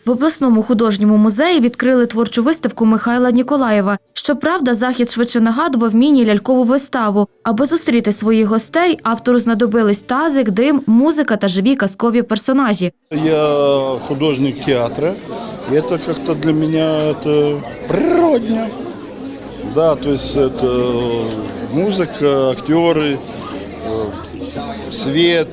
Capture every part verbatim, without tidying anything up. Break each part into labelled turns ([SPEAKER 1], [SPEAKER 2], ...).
[SPEAKER 1] В обласному художньому музеї відкрили творчу виставку Михайла Ніколаєва. Щоправда, захід швидше нагадував міні-лялькову виставу. Аби зустріти своїх гостей, автору знадобились тазик, дим, музика та живі казкові персонажі.
[SPEAKER 2] Я художник театра, и это как-то для меня это природно. Да, то есть это музыка, актеры, свет,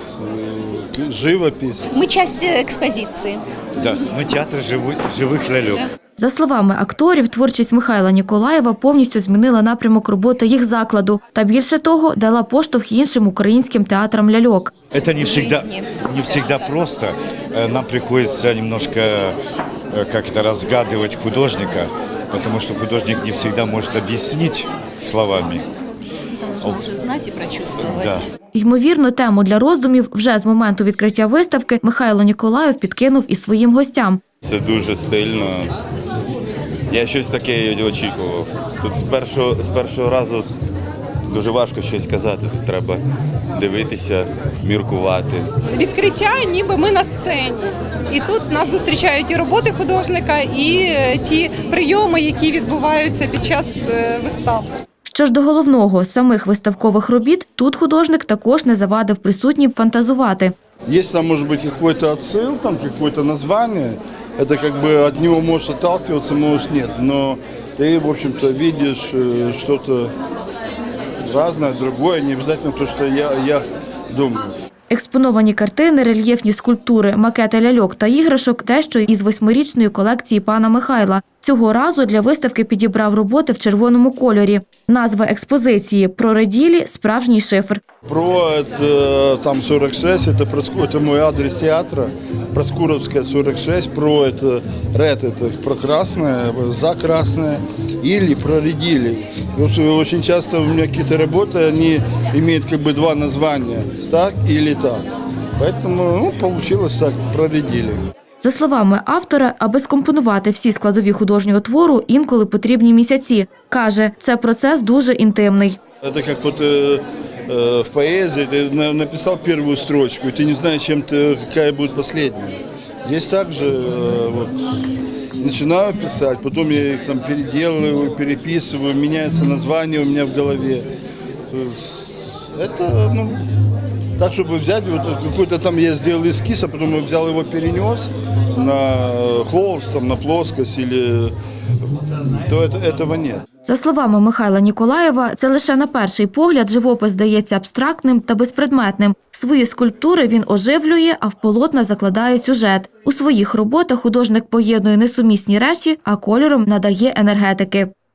[SPEAKER 2] живопись.
[SPEAKER 3] Мы часть экспозиции.
[SPEAKER 4] Да, ми театр живих, живих ляльок.
[SPEAKER 1] За словами акторів, творчість Михайла Ніколаєва повністю змінила напрямок роботи їх закладу та, більше того, дала поштовх іншим українським театрам ляльок.
[SPEAKER 4] Это не всегда, не всегда просто. Э, Нам приходится немножко э, как это разгадывать художника, потому что художник не всегда может объяснить словами.
[SPEAKER 3] Нужно уже знать и прочувствовать.
[SPEAKER 4] Да.
[SPEAKER 1] Ймовірно, тему для роздумів вже з моменту відкриття виставки Михайло Ніколаєв підкинув і своїм гостям.
[SPEAKER 5] Це дуже стильно. Я щось таке очікував. Тут з першого, з першого разу дуже важко щось казати. Тут треба дивитися, міркувати.
[SPEAKER 6] Відкриття, ніби ми на сцені. І тут нас зустрічають і роботи художника, і ті прийоми, які відбуваються під час вистав.
[SPEAKER 1] Що ж до головного – самих виставкових робіт, тут художник також не завадив присутнім фантазувати.
[SPEAKER 2] Есть там, может быть, какой-то отсыл, там какое-то название, это как бы от него можешь отталкиваться, можешь нет, но ты, в общем-то, видишь э, что-то разное, другое, не обязательно то, что я, я думаю.
[SPEAKER 1] Експоновані картини, рельєфні скульптури, макети ляльок та іграшок – дещо із восьмирічної колекції пана Михайла. Цього разу для виставки підібрав роботи в червоному кольорі. Назва експозиції «Прореділі. Справжній шифр».
[SPEAKER 2] Про это, там сорок шесть, это, это мой адрес театра, Проскуровская сорок шесть, про это ред, это про красное, за красное, или про редили. Вот очень часто у меня какие-то работы, они имеют как бы два названия, так или так. Поэтому ну, получилось так, проредили.
[SPEAKER 1] За словами автора, аби скомпонувати всі складові художнього твору, інколи потрібні місяці. Каже, це процес дуже інтимний.
[SPEAKER 2] Это как вот э, э, в поэзии, ты на- написал первую строчку, и ты не знаешь, чем ты, какая будет последняя. Здесь также э, вот, начинаю писать, потом я их там переделываю, переписываю, меняется название у меня в голове. То есть это, ну, так, чтобы взять, вот какой-то там я сделал эскиз, а потом я взял его, перенес на холст, там, на плоскость, или, то это, этого нет.
[SPEAKER 1] За словами Михайла Ніколаєва, це лише на перший погляд живопис здається абстрактним та безпредметним. Свої скульптури він оживлює, а в полотна закладає сюжет. У своїх роботах художник поєднує несумісні речі, а кольором надає енергетики.